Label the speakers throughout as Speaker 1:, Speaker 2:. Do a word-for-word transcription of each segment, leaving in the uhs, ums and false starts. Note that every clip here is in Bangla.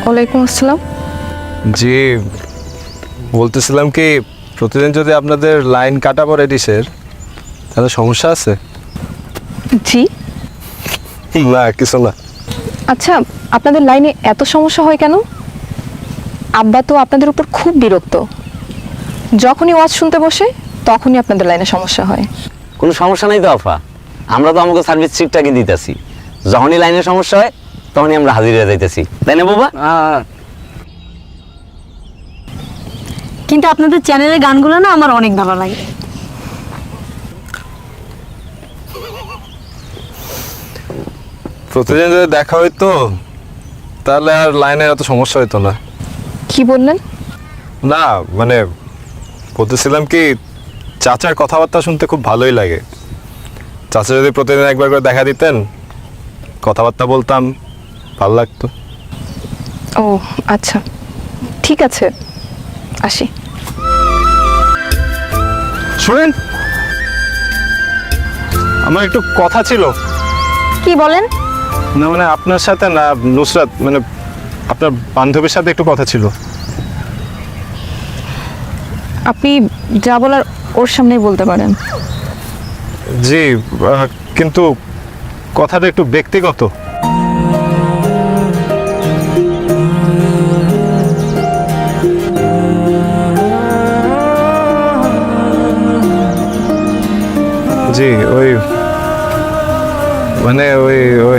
Speaker 1: ওয়ালাইকুম আসসালাম।
Speaker 2: জি, বলতেছিলাম কি প্রতিদিন যদি আপনাদের লাইন কাটা পড়ে ডিশের তাহলে সমস্যা আছে?
Speaker 1: জি।
Speaker 2: না কিছু না।
Speaker 1: আচ্ছা, আপনাদের লাইনে এত সমস্যা হয় কেন? আব্বা তো আপনাদের উপর খুব বিরক্ত। যখনই ওয়াজ শুনতে বসে তখনই আপনাদের লাইনে সমস্যা হয়।
Speaker 3: কোনো সমস্যা নাই তো আফা, আমরা তো আমাকে সার্ভিস ঠিকঠাকই দিতেছি। যখনই লাইনের সমস্যা হয় তখনই আমরা হাজির হয়ে যাইতেছি, তাই না বাবা?
Speaker 4: কিন্তু আপনাদের চ্যানেলের গানগুলো না আমার অনেক ভালো লাগে।
Speaker 2: প্রতিদিন যদি দেখা হইতো তাহলে আর লাইনের এত সমস্যা হইতো না।
Speaker 1: কি বললেন?
Speaker 2: না মানে বলতেছিলাম কি চাচার কথাবার্তা শুনতে খুব ভালোই লাগে। চাচা যদি প্রতিদিন একবার করে দেখা দিতেন, কথাবার্তা বলতাম, ভালো লাগতো।
Speaker 1: ও আচ্ছা, ঠিক আছে, আসি।
Speaker 2: শুনেন, আমার একটু কথা ছিল।
Speaker 4: কি বলেন?
Speaker 2: না মানে আপনার সাথে না, নুসরাত মানে আপনার বান্ধবীর সাথে একটু কথা ছিল।
Speaker 1: আপনি যা বলার ওর সামনেই বলতে পারেন।
Speaker 2: জি, আহ, কিন্তু কথাটা একটু ব্যক্তিগত। জি ওই মানে ওই ওই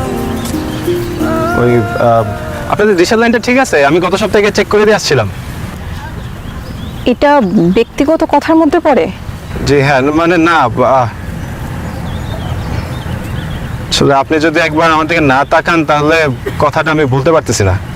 Speaker 2: ওই আহ, আপনাদের ডিশের লাইনটা ঠিক আছে? আমি গত সপ্তাহে চেক করে দিয়ে আসছিলাম।
Speaker 1: এটা ব্যক্তিগত কথার মধ্যে পড়ে?
Speaker 2: জি হ্যাঁ, মানে না আহ, আসলে আপনি যদি একবার আমার দিকে না তাকান তাহলে কথাটা আমি বলতে পারতেছি না।